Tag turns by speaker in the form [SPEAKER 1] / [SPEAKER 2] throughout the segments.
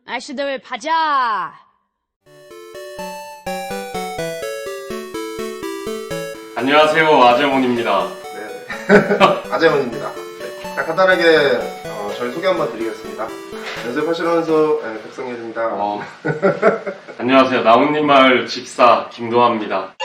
[SPEAKER 1] 아저씨들 가자.
[SPEAKER 2] 안녕하세요, 아재몬입니다.
[SPEAKER 3] 네. 아재문입니다. 네. 간단하게 저희 소개 한번 드리겠습니다. 연습하시면서 백성열입니다.
[SPEAKER 2] 안녕하세요, 나뭇잎 마을 집사 김도하입니다.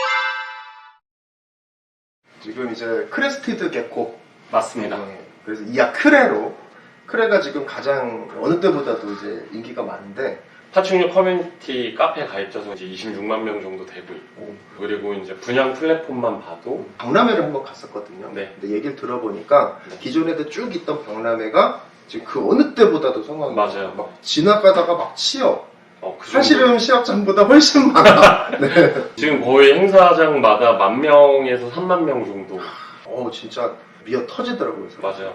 [SPEAKER 3] 지금 이제 크레스티드 개코
[SPEAKER 2] 맞습니다.
[SPEAKER 3] 그래서 이하 크레로 크레가 지금 가장 어느 때보다도 이제 인기가 많은데
[SPEAKER 2] 파충류 커뮤니티 카페 가입자수 이제 26만 명 정도 되고 있고, 그리고 이제 분양 플랫폼만 봐도
[SPEAKER 3] 박람회를 한번 갔었거든요.
[SPEAKER 2] 네.
[SPEAKER 3] 근데 얘기를 들어보니까
[SPEAKER 2] 네.
[SPEAKER 3] 기존에도 쭉 있던 박람회가 지금 그 어느 때보다도 성황이
[SPEAKER 2] 맞아요.
[SPEAKER 3] 막 지나가다가 막 취업
[SPEAKER 2] 그
[SPEAKER 3] 사실은 시합장보다 훨씬 많아. 네.
[SPEAKER 2] 지금 거의 행사장마다 10,000명에서 30,000명 정도.
[SPEAKER 3] 진짜 미어 터지더라고요. 그래서.
[SPEAKER 2] 맞아요.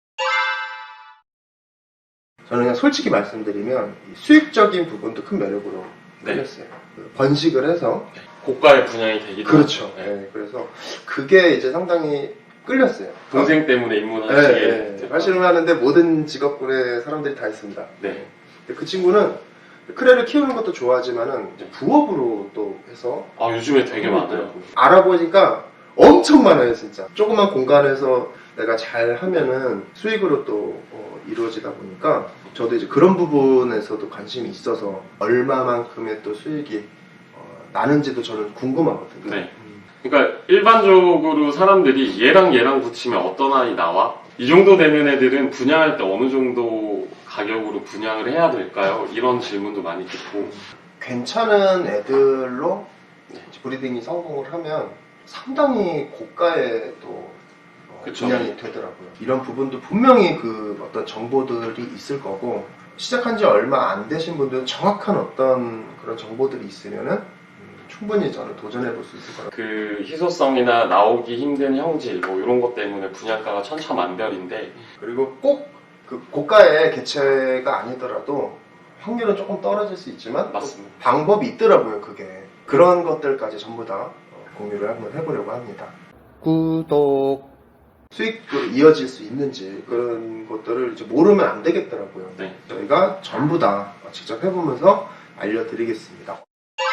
[SPEAKER 3] 저는 그냥 솔직히 말씀드리면 이 수익적인 부분도 큰 매력으로
[SPEAKER 2] 네.
[SPEAKER 3] 끌렸어요. 번식을 해서
[SPEAKER 2] 고가의 분양이 되기도
[SPEAKER 3] 그렇죠.
[SPEAKER 2] 하죠. 네.
[SPEAKER 3] 네, 그래서 그게 이제 상당히 끌렸어요.
[SPEAKER 2] 동생 때문에 입문하시게
[SPEAKER 3] 네,
[SPEAKER 2] 됐다.
[SPEAKER 3] 발신을 하는데 모든 직업군의 사람들이 다 있습니다.
[SPEAKER 2] 네.
[SPEAKER 3] 근데 그 친구는 크레를 키우는 것도 좋아하지만은 이제 부업으로 또 해서
[SPEAKER 2] 요즘에 되게 많아요.
[SPEAKER 3] 알아보니까 엄청 많아요, 진짜. 조그만 공간에서 내가 잘 하면은 수익으로 또 이루어지다 보니까 저도 이제 그런 부분에서도 관심이 있어서 얼마만큼의 또 수익이 나는지도 저는 궁금하거든요.
[SPEAKER 2] 네. 그러니까 일반적으로 사람들이 얘랑 얘랑 붙이면 어떤 아이 나와? 이 정도 되는 애들은 분양할 때 어느 정도 가격으로 분양을 해야 될까요? 이런 질문도 많이 듣고.
[SPEAKER 3] 괜찮은 애들로
[SPEAKER 2] 네.
[SPEAKER 3] 브리딩이 성공을 하면 상당히 고가의 또
[SPEAKER 2] 그쵸.
[SPEAKER 3] 분양이 되더라고요. 이런 부분도 분명히 그 어떤 정보들이 있을 거고 시작한 지 얼마 안 되신 분들은 정확한 어떤 그런 정보들이 있으면은 충분히 저는 도전해 볼 수 있을 거라고.
[SPEAKER 2] 그 희소성이나 나오기 힘든 형질 뭐 이런 것 때문에 분양가가 천차만별인데,
[SPEAKER 3] 그리고 꼭 그 고가의 개체가 아니더라도 확률은 조금 떨어질 수 있지만
[SPEAKER 2] 맞습니다.
[SPEAKER 3] 방법이 있더라고요. 그게 그런 것들까지 전부 다 공유를 한번 해보려고 합니다. 구독. 수익으로 이어질 수 있는지 그런 것들을 이제 모르면 안 되겠더라고요.
[SPEAKER 2] 네.
[SPEAKER 3] 저희가 전부 다 직접 해보면서 알려드리겠습니다.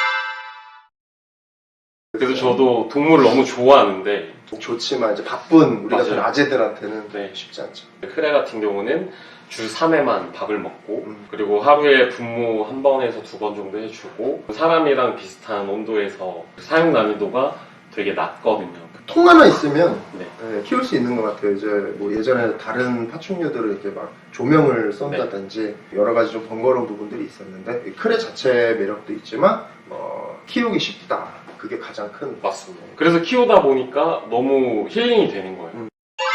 [SPEAKER 2] 그래서 저도 동물을 너무 좋아하는데,
[SPEAKER 3] 좋지만 이제 바쁜 우리 같은
[SPEAKER 2] 맞아요.
[SPEAKER 3] 아재들한테는
[SPEAKER 2] 네.
[SPEAKER 3] 쉽지 않죠.
[SPEAKER 2] 크레 같은 경우는 주 3회만 밥을 먹고,
[SPEAKER 3] 음.
[SPEAKER 2] 그리고 하루에 분무 1번에서 2번 정도 해주고, 사람이랑 비슷한 온도에서 사용 난이도가 되게 낮거든요.
[SPEAKER 3] 통 하나 있으면
[SPEAKER 2] 네.
[SPEAKER 3] 키울 수 있는 것 같아요. 이제 뭐 예전에 다른 파충류들을 이렇게 막 조명을 쏜다든지 여러 가지 좀 번거로운 부분들이 있었는데 이 크레 자체의 매력도 있지만 키우기 쉽다. 그게 가장 큰.
[SPEAKER 2] 맞습니다. 그래서 키우다 보니까 너무 힐링이 되는 거예요.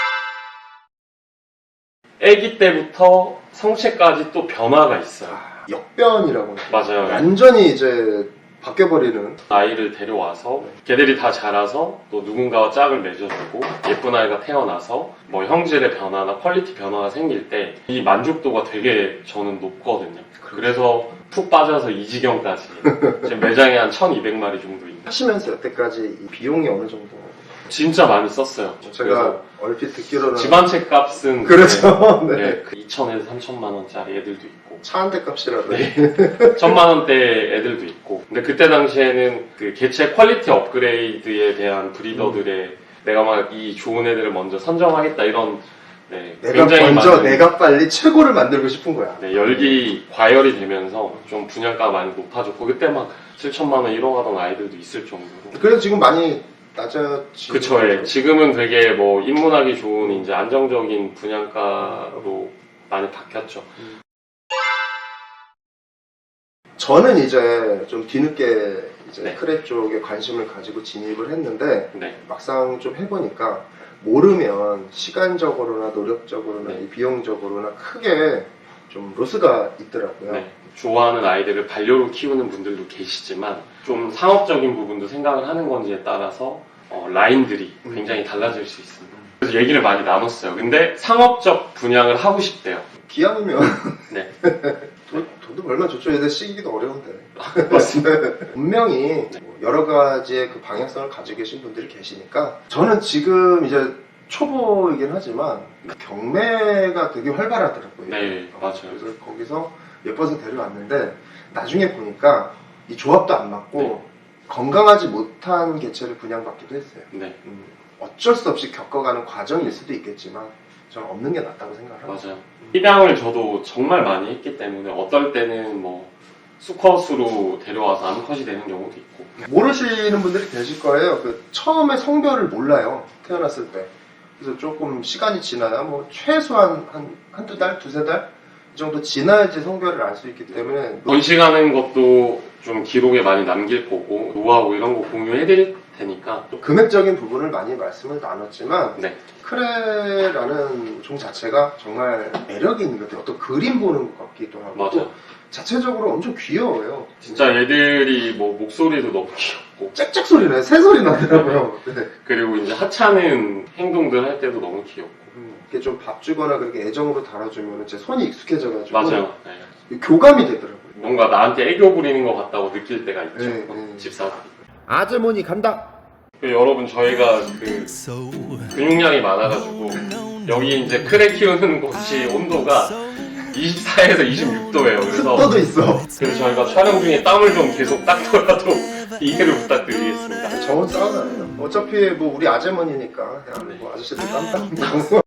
[SPEAKER 2] 아기 때부터 성체까지 또 변화가 있어요.
[SPEAKER 3] 역변이라고.
[SPEAKER 2] 맞아요.
[SPEAKER 3] 완전히 이제 바뀌어버리는.
[SPEAKER 2] 아이를 데려와서 걔들이 다 자라서 또 누군가와 짝을 맺어주고 예쁜 아이가 태어나서 뭐 형질의 변화나 퀄리티 변화가 생길 때 이 만족도가 되게 저는 높거든요. 그래서 푹 빠져서 이 지경까지 지금 매장에 한 1,200마리 정도 있는.
[SPEAKER 3] 하시면서 여태까지 이 비용이 어느 정도?
[SPEAKER 2] 진짜 많이 썼어요.
[SPEAKER 3] 제가 얼핏 듣기로는
[SPEAKER 2] 집 한 채 값은
[SPEAKER 3] 그렇죠. 네.
[SPEAKER 2] 네, 2,000에서 3,000만 원짜리 애들도 있고
[SPEAKER 3] 차 한 대 값이라도.
[SPEAKER 2] 네. 1,000만 원대 애들도 있고. 근데 그때 당시에는 그 개체 퀄리티 업그레이드에 대한 브리더들의 내가 막 이 좋은 애들을 먼저 선정하겠다 이런
[SPEAKER 3] 내가
[SPEAKER 2] 굉장히
[SPEAKER 3] 먼저
[SPEAKER 2] 많은,
[SPEAKER 3] 내가 빨리 최고를 만들고 싶은 거야.
[SPEAKER 2] 열기 과열이 되면서 좀 분양가가 많이 높아졌고 그때 막 7,000만 원 1억 하던 아이들도 있을 정도로.
[SPEAKER 3] 그래서 지금 많이 낮아지고.
[SPEAKER 2] 그쵸. 예. 지금은 되게 뭐 입문하기 좋은 이제 안정적인 분양가로 많이 바뀌었죠.
[SPEAKER 3] 저는 이제 좀 뒤늦게 이제
[SPEAKER 2] 네.
[SPEAKER 3] 크레 쪽에 관심을 가지고 진입을 했는데
[SPEAKER 2] 네.
[SPEAKER 3] 막상 좀 해보니까 모르면 시간적으로나 노력적으로나
[SPEAKER 2] 네.
[SPEAKER 3] 이 비용적으로나 크게 좀 로스가 있더라고요.
[SPEAKER 2] 네. 좋아하는 아이들을 반려로 키우는 분들도 계시지만 좀 상업적인 부분도 생각을 하는 건지에 따라서 라인들이 굉장히 달라질 수 있습니다. 그래서 얘기를 많이 나눴어요. 근데 상업적 분양을 하고 싶대요.
[SPEAKER 3] 기왕이면
[SPEAKER 2] 네.
[SPEAKER 3] 돈도 얼마 좋죠. 얘들 시기도 어려운데.
[SPEAKER 2] 맞습니다.
[SPEAKER 3] 분명히 뭐 여러 가지의 그 방향성을 가지고 계신 분들이 계시니까 저는 지금 이제 초보이긴 하지만 경매가 되게 활발하더라고요.
[SPEAKER 2] 네, 맞아요.
[SPEAKER 3] 그래서 거기서 예뻐서 데려왔는데 나중에 보니까 이 조합도 안 맞고
[SPEAKER 2] 네.
[SPEAKER 3] 건강하지 못한 개체를 분양받기도 했어요.
[SPEAKER 2] 네,
[SPEAKER 3] 어쩔 수 없이 겪어가는 과정일 수도 있겠지만 저는 없는 게 낫다고 생각합니다.
[SPEAKER 2] 맞아요. 입양을 저도 정말 많이 했기 때문에 어떨 때는 뭐 수컷으로 데려와서 암컷이 되는 경우도 있고.
[SPEAKER 3] 모르시는 분들이 계실 거예요. 그 처음에 성별을 몰라요. 태어났을 때. 그래서 조금 시간이 지나야 뭐 최소한 한두 달, 두세 달? 이 정도 지나야지 성별을 알 수 있기 때문에
[SPEAKER 2] 번식하는 것도 좀 기록에 많이 남길 거고 노하우 이런 거 공유해드릴 테니까.
[SPEAKER 3] 금액적인 부분을 많이 말씀을 나눴지만
[SPEAKER 2] 네,
[SPEAKER 3] 크레라는 종 자체가 정말 매력이 있는 것 같아요. 어떤 그림 보는 것 같기도 하고
[SPEAKER 2] 맞아요.
[SPEAKER 3] 또 자체적으로 엄청 귀여워요.
[SPEAKER 2] 진짜 애들이 뭐 목소리도 너무 귀엽고
[SPEAKER 3] 짹짹 소리 나요. 새 소리 나더라고요. 네.
[SPEAKER 2] 그리고 이제 하찮은 행동들 할 때도 너무 귀엽고.
[SPEAKER 3] 이렇게 좀 밥 주거나 그렇게 애정으로 다뤄주면 제 손이 익숙해져가지고
[SPEAKER 2] 맞아요. 네.
[SPEAKER 3] 교감이 되더라고요.
[SPEAKER 2] 뭔가 나한테 애교 부리는 것 같다고 느낄 때가 있죠.
[SPEAKER 3] 네, 네.
[SPEAKER 2] 집사들이.
[SPEAKER 3] 아주머니 간다.
[SPEAKER 2] 여러분 저희가 그 근육량이 많아가지고 여기 이제 크레 키우는 곳이 온도가 24에서 26도예요. 그래서
[SPEAKER 3] 습도도 있어.
[SPEAKER 2] 저희가 촬영 중에 땀을 좀 계속 닦더라도 이해를 부탁드리겠습니다.
[SPEAKER 3] 정은 싸우잖아요. 어차피 뭐 우리 아주머니니까 그냥 뭐 아저씨들 깜빡